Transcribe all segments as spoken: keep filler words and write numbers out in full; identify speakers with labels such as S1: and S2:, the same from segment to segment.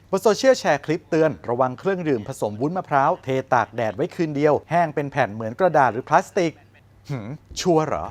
S1: บนโซเชียลแชร์คลิปเตือนระวังเครื่องดื่มผสมวุ้นมะพร้าวเทตากแดดไว้คืนเดียวแห้งเป็นแผ่นเหมือนกระดาษหรือพลาสติกหืมชัวร์เหรอ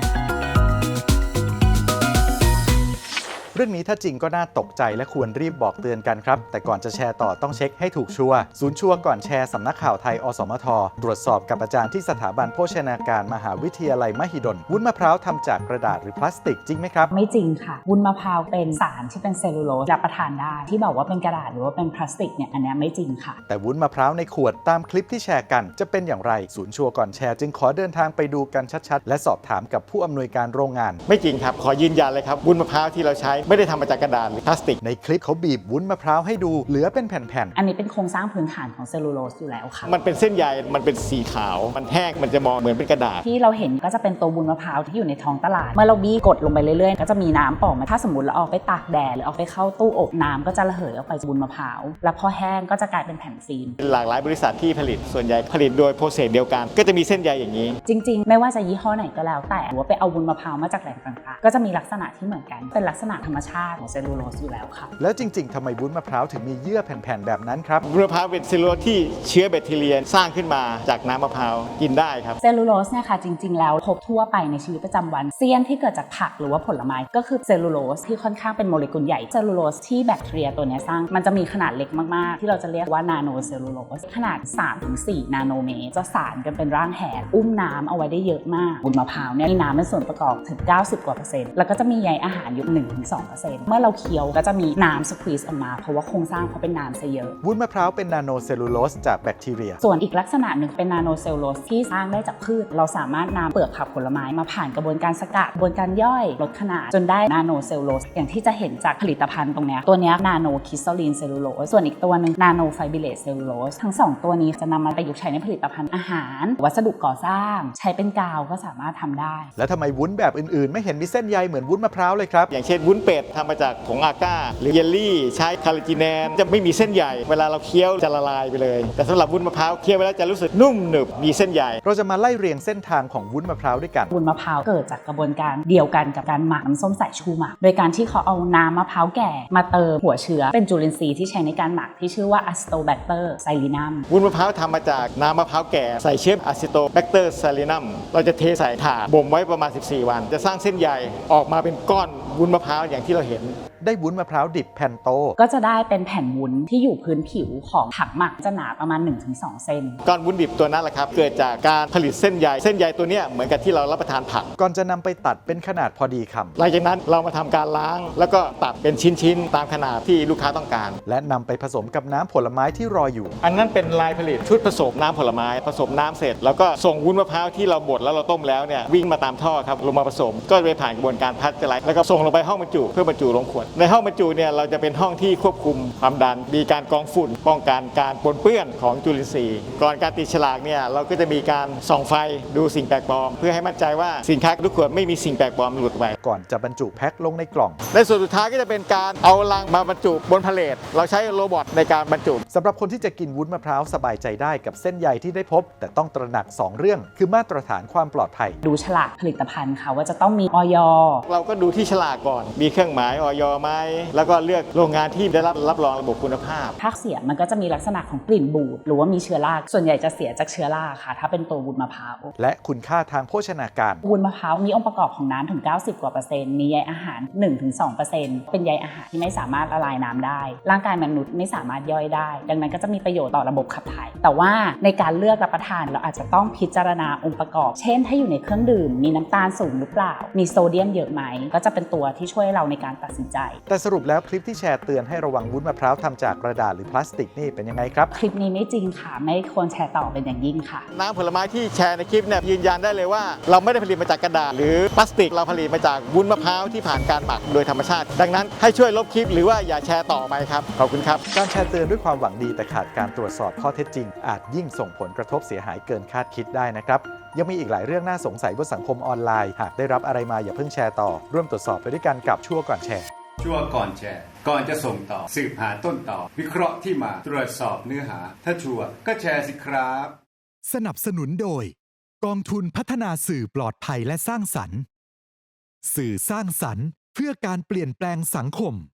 S1: เรื่องนี้ถ้าจริงก็น่าตกใจและควรรีบบอกเตือนกันครับแต่ก่อนจะแชร์ต่อต้องเช็คให้ถูกชัวร์ศูนย์ชัวร์ก่อนแชร์สำนักข่าวไทยอสมทตรวจสอบกับอาจารย์ที่สถาบันโภชนาการมหาวิทยาลัยมหิดลวุ้นมะพร้าวทำจากกระดาษหรือพลาสติกจริงไหมครับ
S2: ไม่จริงค่ะวุ้นมะพร้าวเป็นสารที่เป็นเซลลูโลสรับประทานได้ที่บอกว่าเป็นกระดาษหรือว่าเป็นพลาสติกเนี่ยอันนี้ไม่จริงค่ะ
S1: แต่วุ้นมะพร้าวในขวดตามคลิปที่แชร์กันจะเป็นอย่างไรศูนย์ชัวร์ก่อนแชร์จึงขอเดินทางไปดูกันชัดๆและสอบถามกับผู้อำนวยการโรงงาน
S3: ไม่จริงครับขอยืนยันเลยครับวุ้นมะพร้าวที่เราใช้ไม่ได้ทำมาจากกระดาษหรือพลาสติก
S1: ในคลิปเขาบีบวุ้นมะพร้าวให้ดูเหลือเป็นแผ่น
S2: ๆอันนี้เป็นโครงสร้างพื้นฐานของเซลลูโลสอยู่แล้วค่ะ
S3: มันเป็นเส้นใยมันเป็นสีขาวมันแห้งมันจะมองเหมือนเป็นกระดาษ
S2: ที่เราเห็นก็จะเป็นตัววุ้นมะพร้าวที่อยู่ในท้องตลาดเมื่อเราบี้กดลงไปเรื่อยๆก็จะมีน้ำออกมาถ้าสมมติเราเอาไปตากแดดหรือเอาไปเข้าตู้อบน้ำก็จะระเหยออกไปวุ้นมะพร้าวแล้วพอแห้งก็จะกลายเป็นแผ่นฟิล์ม
S3: หลากหลายบริษัทที่ผลิตส่วนใหญ่ผลิตโดยโปรเซสเดียวกันก็จะมีเส้นใยอย่างนี้
S2: จริงๆไม่ว่าจะยี่ห้อไหนก็แล้วแต่หรือว่าไปเอาวุ้นมะพร้าวมาจากแหล่งต่างๆก็จะมีลักษณะที่เหมือนกันเป็นลักษณะธรรมชาติของเซลลูโลสอยู่แล้วค่ะ
S1: แล้วจริงๆทำไมวุ้นมะพร้าวถึงมีเยื่อแผ่นๆแบบนั้นครับ
S3: วุ้นมะพร้าวเป็นเซลลูโลสที่เชื้อแบคทีเรียสร้างขึ้นมาจากน้ำมะพร้าวกินได้ครับ
S2: เซลลูโลสเนี่ยค่ะจริงๆแล้วพบทั่วไปในชีวิตประจำวันเซียนที่เกิดจากผักหรือว่าผลไม้ก็คือเซลลูโลสที่ค่อนข้างเป็นโมเลกุลใหญ่เซลลูโลสที่แบคทีเรียตัวนี้สร้างมันจะมีขนาดเล็กมากๆที่เราจะเรียกว่านาโนเซลลูโลสขนาด สามถึงสี่ นาโนเมตรจะสานกันเป็นร่างแหนอุ้มน้ำเอาไว้ได้เยอะมากวุ้นมะพร้าวเนี่ยมีน้ำเป็นส่วนประกอบถึงเก้าสิบกว่าเปอร์เซ็นต์แล้วก็จะมีใยอาหารอยู่ หนึ่งถึงสองเปอร์เซ็นต์ เมื่อเราเคี้ยวก็จะมีน้ำสควีซออกมาเพราะว่าโครงสร้างเขาเป็นน้ำซะเยอะ
S1: วุ้นมะพร้าวเป็นนาโนเซลลูโลสจากแบคทีเรีย
S2: ส่วนอีกลักษณะหนึ่งเป็นนาโนเซลลูโลสที่สร้างได้จากพืชเราสามารถนำเปลือกผักผลไม้มาผ่านกระบวนการสกัดกระบวนการย่อยลดขนาดจนได้นาโนเซลลูโลสอย่างที่จะเห็นจากผลิตภัณฑ์ตรงนี้ตัวนี้นาโนคริสตัลลีนเซลลูโลสส่วนอีกตัวหนึ่งนาโนไฟเบเลตเซลลูโลสทั้งสองตัวนี้จะนำมาประยุกต์ใช้ในผลิตภัณฑ์อาหารวัสดุก่อสร้างใช้เป็นกาวก็สามารถทำได้
S1: แล้วทำไมวุ้นแบบอื่นๆไม่เห็นมีเส้นใยเหมือนวุ้นมะพร้าวเลยครับ
S3: อย่างเช่นวุ้นเป็ดทำมาจากผงอาก้าหรือเยลลี่ใช้คาราจิแนนจะไม่มีเส้นใยเวลาเราเคี้ยวจะละลายไปเลยแต่สำหรับวุ้นมะพร้าวเคี้ยวไปแล้วจะรู้สึกนุ่มหนึบมีเส้นใย
S1: เราจะมาไล่เรียงเส้นทางของวุ้นมะพร้าวด้วยกัน
S2: วุ้นมะพร้าวเกิดจากกระบวนการเดียวกันกับการหมักน้ำส้มสายชูหมักโดยการที่เขาเอาน้ำมะพร้าวแก่มาเติมหัวเชื้อเป็นจุลินทรีย์ที่ใช้ในการหมักที่ชื่อว่าอะซิโตแบคเตอร์ไซลินัม
S3: วุ้นมะพร้าวทำมาจากน้ำมะพร้าวแก่ใส่เชื้ออะซิโตแบคเตอร์ไซลินัมเราจะเทใส่ถาดบ่มไว้ประมาณสิบสี่วันจะสร้างเส้นใยออกมาเป็นก้อนวุ้นมะพร้าวอย่างที่เราเห็น
S1: ได้วุ้นมะพร้าวดิบแผ่นโต
S2: ก็จะได้เป็นแผ่นวุ้นที่อยู่พื้นผิวของถังหมักจะหนาประมาณ หนึ่งถึงสอง เซน
S3: ก้อนวุ้นดิบตัวนั้นแหละครับเกิดจากการผลิตเส้นใยเส้นใยตัวนี้เหมือนกับที่เรารับประทานผัก
S1: ก่อนจะนำไปตัดเป็นขนาดพอดีคำ
S3: หลังจากนั้นเรามาทำการล้างแล้วก็ตัดเป็นชิ้นๆตามขนาดที่ลูกค้าต้องการ
S1: และนำไปผสมกับน้ำผลไม้ที่รออยู่
S3: อันนั้นเป็นลายผลิตชุดผสมน้ำผลไม้ผสมน้ำเสร็จแล้วก็ส่งวุ้นมะพร้าวที่เราบดแล้วเราต้มแล้วเนี่ยวิ่งมาตามท่อครับลงมาผสมก็ไปผ่านกระบวนการพัชเจอร์แล้วก็ส่งลงไปห้องบรรจุเพื่อบรรจุลงขวดในห้องบรรจุเนี่ยเราจะเป็นห้องที่ควบคุมความดันมีการกรองฝุ่นป้องกันการปนเปื้อนของจุลินทรีย์ก่อนการติดฉลากเนี่ยเราก็จะมีการส่องไฟดูสิ่งแปลกปลอมเพื่อให้มั่นใจว่าสินค้าทุกขวดไม่มีสิ่งแปลกปลอมหลุดไป
S1: ก่อนจะบรรจุแพ็คลงในกล่อง
S3: ในส่วนสุดท้ายก็จะเป็นการเอาลังมาบรรจุบนพาเลทเราใช้โรบอทในการบรรจุ
S1: สำหรับคนที่จะกินวุ้นมะพร้าวสบายใจได้กับเส้นใยที่ได้พบแต่ต้องตระหนักสองเรื่องคือมาตรฐานความปลอดภัย
S2: ดูฉลากผลิตภัณฑ์ค่ะว่าจะต้องมีอย.
S3: เราก็ดูที่ฉลากก่อนมีเครื่องหมายอย.ไหมแล้วก็เลือกโรงงานที่ได้รับรับรองระบบคุณภาพ
S2: ถ้าเสียมันก็จะมีลักษณะของกลิ่นบูดหรือว่ามีเชื้อราส่วนใหญ่จะเสียจากเชื้อราค่ะถ้าเป็นตัววุ้นมะพร้าว
S1: และคุณค่าทางโภชนาการ
S2: วุ้นมะพร้าวมีองค์ประกอบของน้ำถึงเก้าสิบกว่าเปอร์เซ็นต์มีใยอาหาร หนึ่งถึงสองเปอร์เซ็นต์ เป็นใยอาหารที่ไม่สามารถละลายน้ำได้ร่างกายมนุษย์ไม่สามารถย่อยได้ดังนั้นก็จะมีประโยชน์ต่อระบบขับถ่ายแต่ว่าในการเลือกรับประทานเราอาจจะต้องพิจารณาองค์ประกอบเช่นถ้าอยู่ในเครื่องดื่มมีน้ำตาลสูงหรือเปล่ามีโซเดียมเยอะไหมก็จะเป็นตัวที่ช่วยเราในการตัดสินใจ
S1: แต่สรุปแล้วคลิปที่แชร์เตือนให้ระวังวุ้นมะพร้าวทำจากกระดาษหรือพลาสติกนี่เป็นยังไงครับ
S2: คลิปนี้ไม่จริงค่ะไม่ควรแชร์ต่อเป็นอย่างยิ่งค่ะ
S3: น้ำผลไม้ที่แชร์ในคลิปเนี่ยยืนยันได้เลยว่าเราไม่ได้ผลิตมาจากกระดาษหรือพลาสติกเราผลิตมาจากวุ้นมะพร้าวที่ผ่านการหมักโดยธรรมชาติดังนั้นให้ช่วยลบคลิปหรือว่าอย่าแชร์ต่อไปครับขอบคุณครับ
S1: การแชร์เตือนด้วยความหวังดีแต่ขาดการตรวจสอบข้อเท็จจริงอาจยิ่งส่งผลกระทบเสียหายเกินคาดคิดได้นะครับยังมีอีกหลายเรื่องน่าสงสัยบนสังคมออนไลน์หากได้รับอะไรมาอย่าเพิ่งแชร์ต่อร่วมตรวจสอบไปด้วยกันกับชั่วก่อนแชร์
S4: ชั่วก่อนแชร์ก่อนจะส่งต่อสืบหาต้นต่อวิเคราะห์ที่มาตรวจสอบเนื้อหาถ้าชัวร์ก็แชร์สิครับ
S5: สนับสนุนโดยกองทุนพัฒนาสื่อปลอดภัยและสร้างสรรค์สื่อสร้างสรรค์เพื่อการเปลี่ยนแปลงสังคม